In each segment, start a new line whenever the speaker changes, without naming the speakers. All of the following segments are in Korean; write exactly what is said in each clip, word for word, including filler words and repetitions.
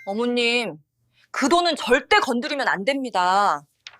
어머님, 그 돈은 절대 건드리면 안 됩니다.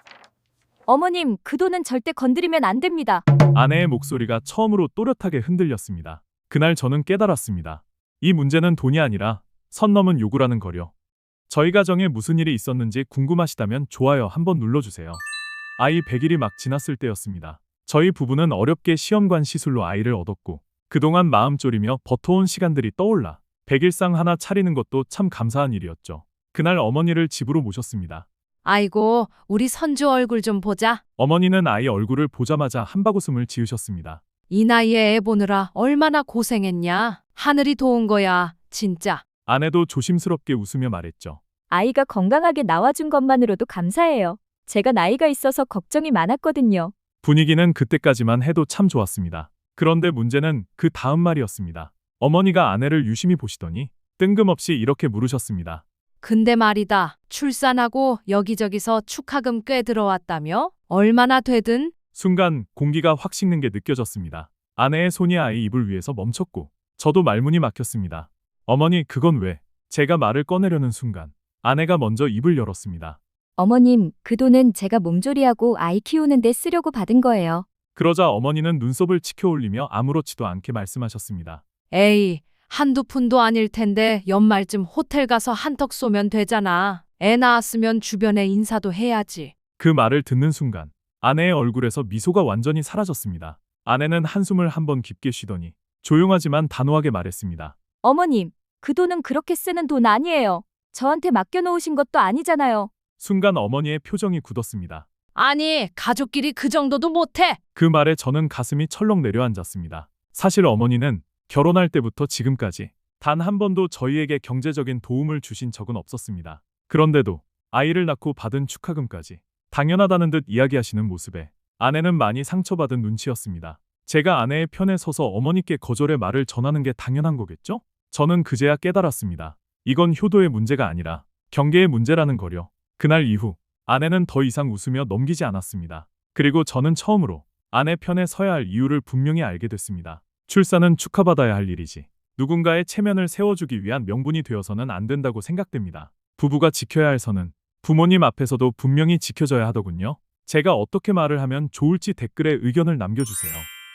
어머님, 그 돈은 절대 건드리면 안 됩니다.
아내의 목소리가 처음으로 또렷하게 흔들렸습니다. 그날 저는 깨달았습니다. 이 문제는 돈이 아니라 선 넘은 요구라는 거요. 저희 가정에 무슨 일이 있었는지 궁금하시다면 좋아요 한번 눌러주세요. 아이 백 일이 막 지났을 때였습니다. 저희 부부는 어렵게 시험관 시술로 아이를 얻었고 그동안 마음 졸이며 버텨온 시간들이 떠올라 백일상 하나 차리는 것도 참 감사한 일이었죠. 그날 어머니를 집으로 모셨습니다.
아이고, 우리 선주 얼굴 좀 보자.
어머니는 아이 얼굴을 보자마자 한바구음을 지으셨습니다.
이 나이에 애 보느라 얼마나 고생했냐. 하늘이 도운 거야, 진짜.
아내도 조심스럽게 웃으며 말했죠.
아이가 건강하게 나와준 것만으로도 감사해요. 제가 나이가 있어서 걱정이 많았거든요.
분위기는 그때까지만 해도 참 좋았습니다. 그런데 문제는 그 다음 말이었습니다. 어머니가 아내를 유심히 보시더니 뜬금없이 이렇게 물으셨습니다.
근데 말이다. 출산하고 여기저기서 축하금 꽤 들어왔다며? 얼마나 되든?
순간 공기가 확 식는 게 느껴졌습니다. 아내의 손이 아이 입을 위에서 멈췄고 저도 말문이 막혔습니다. 어머니, 그건 왜? 제가 말을 꺼내려는 순간 아내가 먼저 입을 열었습니다.
어머님, 그 돈은 제가 몸조리하고 아이 키우는 데 쓰려고 받은 거예요.
그러자 어머니는 눈썹을 치켜 올리며 아무렇지도 않게 말씀하셨습니다.
에이, 한두 푼도 아닐 텐데 연말쯤 호텔 가서 한턱 쏘면 되잖아. 애 낳았으면 주변에 인사도 해야지.
그 말을 듣는 순간 아내의 얼굴에서 미소가 완전히 사라졌습니다. 아내는 한숨을 한번 깊게 쉬더니 조용하지만 단호하게 말했습니다.
어머님, 그 돈은 그렇게 쓰는 돈 아니에요. 저한테 맡겨놓으신 것도 아니잖아요.
순간 어머니의 표정이 굳었습니다.
아니, 가족끼리 그 정도도 못해.
그 말에 저는 가슴이 철렁 내려앉았습니다. 사실 어머니는 결혼할 때부터 지금까지 단 한 번도 저희에게 경제적인 도움을 주신 적은 없었습니다. 그런데도 아이를 낳고 받은 축하금까지 당연하다는 듯 이야기하시는 모습에 아내는 많이 상처받은 눈치였습니다. 제가 아내의 편에 서서 어머니께 거절의 말을 전하는 게 당연한 거겠죠? 저는 그제야 깨달았습니다. 이건 효도의 문제가 아니라 경계의 문제라는 거려. 그날 이후 아내는 더 이상 웃으며 넘기지 않았습니다. 그리고 저는 처음으로 아내 편에 서야 할 이유를 분명히 알게 됐습니다. 출산은 축하받아야 할 일이지 누군가의 체면을 세워주기 위한 명분이 되어서는 안 된다고 생각됩니다. 부부가 지켜야 할 선은 부모님 앞에서도 분명히 지켜져야 하더군요. 제가 어떻게 말을 하면 좋을지 댓글에 의견을 남겨주세요.